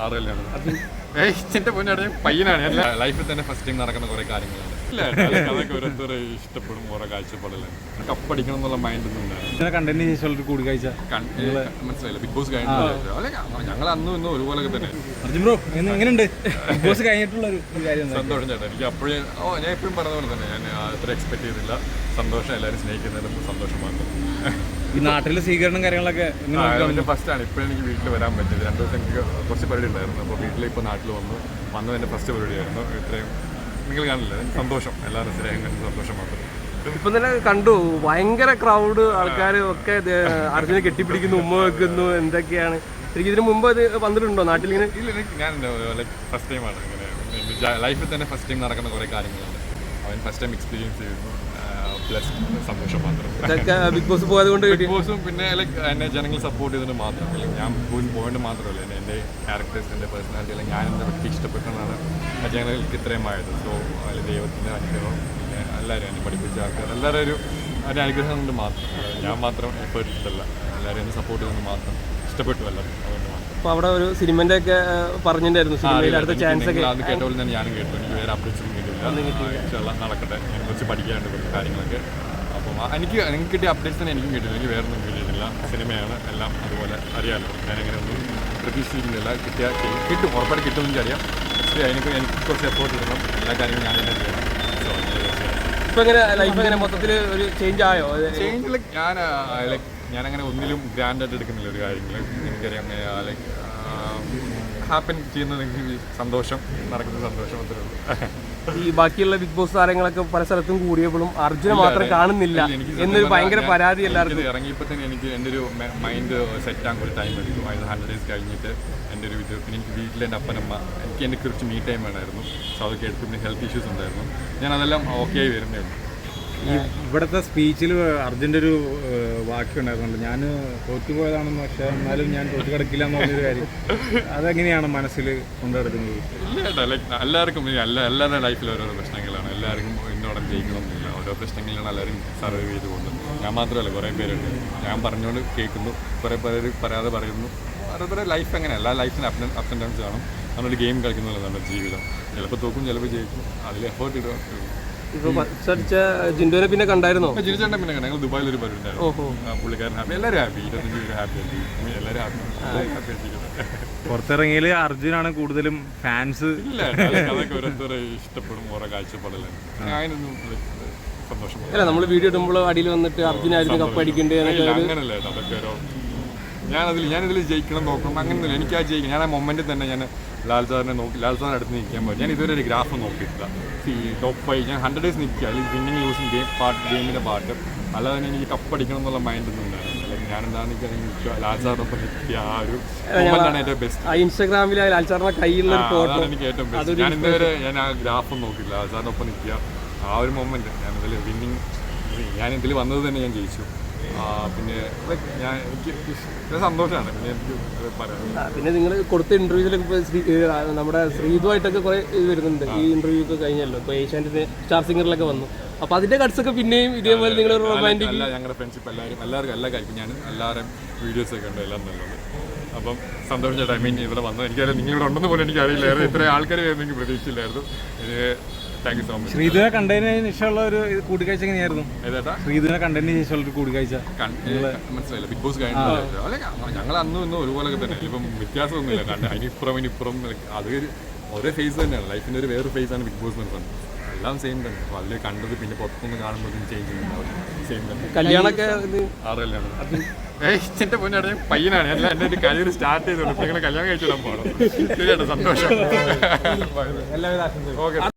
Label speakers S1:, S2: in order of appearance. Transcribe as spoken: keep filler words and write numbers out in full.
S1: ആറുകല്ലാണ് എന്റെ പൊന്നാണ് പയ്യനാണ് ലൈഫിൽ തന്നെ ഫസ്റ്റ് ടൈം നടക്കുന്ന കുറെ കാര്യങ്ങളാണ്. ഇല്ല അതൊക്കെ ഓരോരുത്തരെ ഇഷ്ടപ്പെടും, ഓരോ കാഴ്ചപ്പാടല്ലാണ്. കപ്പടിക്കണം എന്നുള്ള മൈൻഡ് ഒന്നും
S2: ഉണ്ടായിരുന്നു. കൂടിക്കാഴ്ച
S1: മനസ്സിലായില്ല. ബിഗ് ബോസ് കഴിഞ്ഞിട്ട് ഞങ്ങൾ അന്നും ഇന്നും ഒരുപോലെ തന്നെ.
S2: എങ്ങനെയുണ്ട് ബിഗ് ബോസ് കഴിഞ്ഞിട്ടുള്ള
S1: സന്തോഷം ചേട്ടാ. എനിക്ക് അപ്പോഴേ ഓ ഞാൻ എപ്പോഴും പറഞ്ഞ പോലെ തന്നെ ഞാൻ അത്ര എക്സ്പെക്ട് ചെയ്തില്ല. സന്തോഷം, എല്ലാവരും സ്നേഹിക്കുന്നതിലും സന്തോഷം മാത്രം.
S2: ഈ നാട്ടിലെ സ്വീകരണം കാര്യങ്ങളൊക്കെ
S1: ഫസ്റ്റ് ആണ് ഇപ്പോഴും എനിക്ക് വീട്ടിൽ വരാൻ പറ്റിയത്. രണ്ടു ദിവസം എനിക്ക് കുറച്ച് പരിപാടി ഉണ്ടായിരുന്നു. അപ്പോൾ വീട്ടിൽ ഇപ്പോൾ നാട്ടിൽ വന്നു വന്നത് എൻ്റെ ഫസ്റ്റ് പരിപാടിയായിരുന്നു. ഇത്രയും നിങ്ങൾ കാണില്ല, സന്തോഷം, എല്ലാവരും സ്നേഹം സന്തോഷം മാത്രം.
S3: ഇപ്പം തന്നെ കണ്ടു, ഭയങ്കര ക്രൗഡ്, ആൾക്കാർ ഒക്കെ അർജുനെ കെട്ടിപ്പിടിക്കുന്നു, ഉമ്മ വെക്കുന്നു, എന്തൊക്കെയാണ്. എനിക്ക് ഇതിന് മുമ്പ് അത് വന്നിട്ടുണ്ടോ നാട്ടിലിങ്ങനെ?
S1: ഇല്ല, ഞാൻ ലൈക്ക് ഫസ്റ്റ് ടൈമാണ് ഇങ്ങനെ ലൈഫിൽ തന്നെ ഫസ്റ്റ് ടൈം നടക്കുന്ന കുറേ കാര്യങ്ങളുണ്ട്. അവൻ ഫസ്റ്റ് ടൈം എക്സ്പീരിയൻസ് ചെയ്യുന്നു. പ്ലസ് സന്തോഷം മാത്രം.
S3: ബിഗ് ബോസ് പോയത് കൊണ്ട്
S1: ബിഗ് ബോസും പിന്നെ ലൈക്ക് എന്നെ ജനങ്ങൾ സപ്പോർട്ട് ചെയ്തതിന് മാത്രം. അല്ലെങ്കിൽ ഞാൻ ബിഗ് ബോസ് പോയിന്റ് മാത്രമല്ല, എന്നെ എൻ്റെ ക്യാരക്ടേഴ്സ്, എൻ്റെ പേഴ്സണാലിറ്റി, അല്ലെങ്കിൽ ഞാൻ എൻ്റെ വ്യക്തി ഇഷ്ടപ്പെട്ടതാണ് ആ ജനങ്ങൾക്ക് ഇത്രയുമായത്. സോ അതിൽ ദൈവത്തിൻ്റെ അനുഗ്രഹം, പിന്നെ എല്ലാവരും എന്നെ പഠിപ്പിച്ച ആൾക്കാർ എല്ലാവരും ഒരു അതിൻ്റെ അനുഗ്രഹം കൊണ്ട് മാത്രം. ഞാൻ മാത്രം എഫേർട്ട് ഇട്ടല്ല, എല്ലാവരും എന്നെ സപ്പോർട്ട് ചെയ്തത് മാത്രം. ഇഷ്ടപ്പെട്ടു എല്ലാവരും, അതുകൊണ്ട് മാത്രം.
S3: അപ്പോൾ അവിടെ ഒരു സിനിമൻ്റെ ഒക്കെ പറഞ്ഞിട്ടുണ്ടായിരുന്നു, സിനിമയിൽ അടുത്ത ചാൻസ് ഒക്കെ
S1: അത് കേട്ടപ്പോൾ തന്നെ ഞാനും കേട്ടു. എനിക്ക് വേറെ അപ്ഡേറ്റ്സ് ഒന്നും കിട്ടില്ല. നടക്കട്ടെ, ഞാൻ കുറച്ച് പഠിക്കാനുണ്ട് കുറച്ച് കാര്യങ്ങളൊക്കെ. അപ്പം എനിക്ക് എനിക്ക് കിട്ടിയ അപ്ഡേറ്റ്സ് തന്നെ എനിക്കും കിട്ടില്ല. എനിക്ക് വേറെ ഒന്നും കിട്ടിയിട്ടില്ല. സിനിമയാണ് എല്ലാം, അതുപോലെ അറിയാമല്ലോ. ഞാനിങ്ങനെ ഒന്നും പ്രതീക്ഷിക്കുന്നില്ല. കിട്ടിയാൽ കിട്ടും, ഉറപ്പായിട്ട് കിട്ടുമെന്ന് അറിയാം. പക്ഷേ എനിക്ക് എനിക്ക് കുറച്ച് എഫോർട്ട് ഇടണം. എല്ലാ കാര്യങ്ങളും ഞാൻ തന്നെ ചെയ്യണം.
S3: ഇപ്പം എങ്ങനെ ലൈഫ് എങ്ങനെ മൊത്തത്തിൽ ഒരു ചേഞ്ച് ആയോ?
S1: ചേഞ്ച് ലൈക്ക് ഞാൻ ലൈക്ക് ഞാനങ്ങനെ ഒന്നിലും ഗ്രാൻഡായിട്ട് എടുക്കുന്നില്ല ഒരു കാര്യങ്ങൾ. എനിക്കറിയാം ലൈക്ക് ഹാപ്പൻ ചെയ്യുന്നത് എനിക്ക് സന്തോഷം, നടക്കുന്ന സന്തോഷം അത്രേ ഉള്ളൂ.
S3: ഈ ബാക്കിയുള്ള ബിഗ് ബോസ് താരങ്ങളൊക്കെ പല സ്ഥലത്തും കൂടിയപ്പോഴും അർജുനെ മാത്രം കാണുന്നില്ല എന്നൊരു ഭയങ്കര പരാതി എല്ലാവർക്കും.
S1: ഇറങ്ങിയപ്പോൾ തന്നെ എനിക്ക് എൻ്റെ ഒരു മൈൻഡ് സെറ്റ് ആകാൻ കുറച്ച് ടൈം എടുക്കും. അതായത് ഹൺഡ്രഡ് ഡേയ്സ് കഴിഞ്ഞിട്ട് എൻ്റെ ഒരു ഇത്. പിന്നെ എനിക്ക് വീട്ടിൽ എൻ്റെ അപ്പനമ്മ, എനിക്ക് എൻ്റെ കുറച്ച് മീ ടൈം വേണമായിരുന്നു. സോ അതൊക്കെ എടുത്ത് പിന്നെ ഹെൽത്ത് ഇഷ്യൂസ് ഉണ്ടായിരുന്നു. ഞാൻ അതെല്ലാം ഓക്കെ ആയി വരുന്നേ ഉള്ളൂ.
S2: ഈ ഇവിടുത്തെ സ്പീച്ചിൽ അർജുൻ്റെ ഒരു വാക്യം ഉണ്ടായിരുന്നുണ്ട്, ഞാൻ തോറ്റുപോയതാണെന്ന്, പക്ഷേ എന്നാലും ഞാൻ തോറ്റു കിടക്കില്ല എന്ന് പറഞ്ഞൊരു കാര്യം. അതെങ്ങനെയാണ് മനസ്സിൽ കൊണ്ടുനടക്കുന്നത്?
S1: ഇല്ല കേട്ടോ, ലൈക്ക് എല്ലാവർക്കും എല്ലാ എല്ലാവരുടെ ലൈഫിൽ ഓരോരോ പ്രശ്നങ്ങളാണ്. എല്ലാവർക്കും ഇന്നോടം ജയിക്കണമെന്നില്ല. ഓരോ പ്രശ്നങ്ങളിലാണ് എല്ലാവരും സർവൈവ് ചെയ്ത് പോകുന്നത്. ഞാൻ മാത്രമല്ല, കുറേ പേരുണ്ട്. ഞാൻ പറഞ്ഞുകൊണ്ട് കേൾക്കുന്നു, കുറേ പേര് പറയാതെ പറയുന്നു. ഓരോരുത്തരുടെ ലൈഫ് അങ്ങനെ, എല്ലാ ലൈഫിന് അപ്പ് അപ്പ് ആൻഡ് ഡൗൺസ് കാണും. നമ്മളൊരു ഗെയിം കളിക്കുന്നതല്ല നമ്മുടെ ജീവിതം. ചിലപ്പോൾ തോക്കും, ചിലപ്പോൾ ജയിക്കും. അതിൽ എഫേർട്ട് ഇടുക.
S3: ഇപ്പൊ അടിച്ച ജിൻഡോനെ പിന്നെ കണ്ടായിരുന്നോ?
S1: ജിൻഡോനെ പിന്നെ ഞങ്ങൾ ദുബായിൽ ഒരു പരിപാടി ഉണ്ടായിരുന്നു. പുള്ളിക്കാരൻ ഹാപ്പി, എല്ലാവരും ഹാപ്പി, ഇരുപത്തഞ്ച് പേര് ഹാപ്പി ആയിട്ട് എല്ലാവരും ഹാപ്പി ഹാപ്പി ആയിട്ടിരിക്കുന്നത്.
S2: പുറത്തിറങ്ങിയാൽ അർജുനാണ് കൂടുതലും ഫാൻസ്.
S1: ഇല്ല, അതൊക്കെ ഓരോരുത്തരെ ഇഷ്ടപ്പെടും, ഓരോ കാഴ്ചപ്പാടല്ലാണ്. അതിനൊന്നും സന്തോഷം.
S3: അല്ല, നമ്മൾ വീഡിയോ ഇടുമ്പോൾ അടിയിൽ വന്നിട്ട് അർജുനായിരുന്നു കപ്പ് അടിക്കേണ്ടത്
S1: അങ്ങനല്ല. അതൊക്കെ ഓരോ ഞാനതിൽ ഞാനിതിൽ ജയിക്കണം നോക്കണം അങ്ങനെയൊന്നുമില്ല. എനിക്ക് ആ ജയിക്കണം. ഞാൻ ആ മൊമെൻറ്റിൽ തന്നെ ഞാൻ ലാൽ സാറിനെ നോക്കി, ലാൽ സാറിന് അടുത്ത് നിൽക്കാൻ പറ്റും. ഞാൻ ഇതുവരെ ഒരു ഗ്രാഫ് നോക്കിയിട്ടില്ല. ഈ ടോപ്പ് ഫൈവ് ഞാൻ ഹൺഡ്രഡ് ഡേയ്സ് നിൽക്കുക, അല്ലെങ്കിൽ വിന്നിങ് ലൂസിങ് ഗെയിം പാർട്ട് ഗെയിമിൻ്റെ പാർട്ട്. അല്ലാതെ തന്നെ എനിക്ക് കപ്പടിക്കണം എന്നുള്ള മൈൻഡ് ഒന്നും ഉണ്ടായിരുന്നു. അല്ലെങ്കിൽ ഞാൻ എന്താണെന്ന് നിൽക്കുക, ലാൽ സാറിനൊപ്പം നിൽക്കുക. ആ ഒരു മൊമെൻ്റാണ് ഏറ്റവും ബെസ്റ്റ്.
S3: ഇൻസ്റ്റാഗ്രാമിൽ ലാൽ സാറിന്റെ കയ്യിലുള്ള
S1: അതാണ് എനിക്ക് ഏറ്റവും ബെസ്റ്റ്. ഞാൻ ഇതുവരെ ഞാൻ ആ ഗ്രാഫ് നോക്കില്ല. ലാൽ സാറിനൊപ്പം നിൽക്കുക, ആ ഒരു മൊമെൻറ്റ്. ഞാൻ ഇതിൽ വിന്നിങ് ഞാൻ ഇതിൽ വന്നത് തന്നെ ഞാൻ ജയിച്ചു. പിന്നെ ഞാൻ എനിക്ക് സന്തോഷമാണ്. പിന്നെ എനിക്ക് പറയാം.
S3: പിന്നെ നിങ്ങൾ കൊടുത്ത ഇന്റർവ്യൂവിലൊക്കെ ഇപ്പോൾ നമ്മുടെ ശ്രീതുമായിട്ടൊക്കെ കുറേ ഇത് വരുന്നുണ്ട്. ഈ ഇന്റർവ്യൂ ഒക്കെ കഴിഞ്ഞല്ലോ, ഇപ്പോൾ ഏഷ്യാനെറ്റിന്റെ സ്റ്റാർ സിംഗറിലൊക്കെ വന്നു. അപ്പോൾ അതിന്റെ കട്ട്സൊക്കെ പിന്നെയും ഇതേപോലെ നിങ്ങൾ റൊമാൻറ്റിക്
S1: അല്ല, ഞങ്ങളുടെ ഫ്രണ്ട്ഷിപ്പ് എല്ലാവരും എല്ലാവർക്കും എല്ലാ കാര്യവും ഞാൻ എല്ലാവരും വീഡിയോസൊക്കെ ഉണ്ട്, എല്ലാം നല്ലത്. അപ്പം സന്തോഷം ചേട്ടാ. ഐ മീൻ ഇവിടെ വന്നത് എനിക്കറിയാം, നിങ്ങളിവിടെ ഉണ്ടെന്ന് പോലും എനിക്കറിയില്ലായിരുന്നു. ഇത്രയും ആൾക്കാർ വരുന്ന എനിക്ക് പ്രതീക്ഷിച്ചില്ലായിരുന്നു. Thank you so much.
S2: ശ്രീധുവിനെ കണ്ടതിന് ശേഷമുള്ള ഒരു കൂടിക്കാഴ്ച എങ്ങനെയായിരുന്നു?
S1: ഏതാ
S2: ശ്രീധുവിനെ കണ്ടതിന് ശേഷമുള്ള ഒരു കൂടിക്കാഴ്ച
S1: മനസ്സിലായില്ല. ബിഗ് ബോസ് കഴിഞ്ഞിട്ട് അല്ലെ ഞങ്ങൾ അന്നും ഇന്നും ഒരുപോലെ തന്നെ. ഇപ്പം വ്യത്യാസമൊന്നുമില്ല. കണ്ട് അതിനിപ്പുറം ഇനിപ്പുറം അത് ഒരേ ഫേസ് തന്നെയാണ്. ലൈഫിൻ്റെ ഒരു വേറെ ഫേസ് ആണ് ബിഗ് ബോസ് എന്ന് പറഞ്ഞത്. എല്ലാം സെയിം തന്നെ. അപ്പോൾ അതിൽ കണ്ടത് പിന്നെ പുറത്തുനിന്ന് കാണുമ്പോൾ ചേഞ്ച് ചെയ്യുന്നുണ്ടാവും. സെയിം തന്നെ.
S3: കല്യാണമൊക്കെ
S1: ആറ് കല്യാണം എന്റെ പൊന്നാണ്. ഞാൻ പയ്യനാണ്. ഞാൻ എൻ്റെ ഒരു കരിയർ സ്റ്റാർട്ട് ചെയ്തോളൂ. ഇപ്പം ഇങ്ങനെ കല്യാണം കഴിച്ചിടാൻ പോകണം. ശരിയാട്ടോ, സന്തോഷം.
S2: എല്ലാവിധ ആശംസകളും.
S1: ഓക്കെ.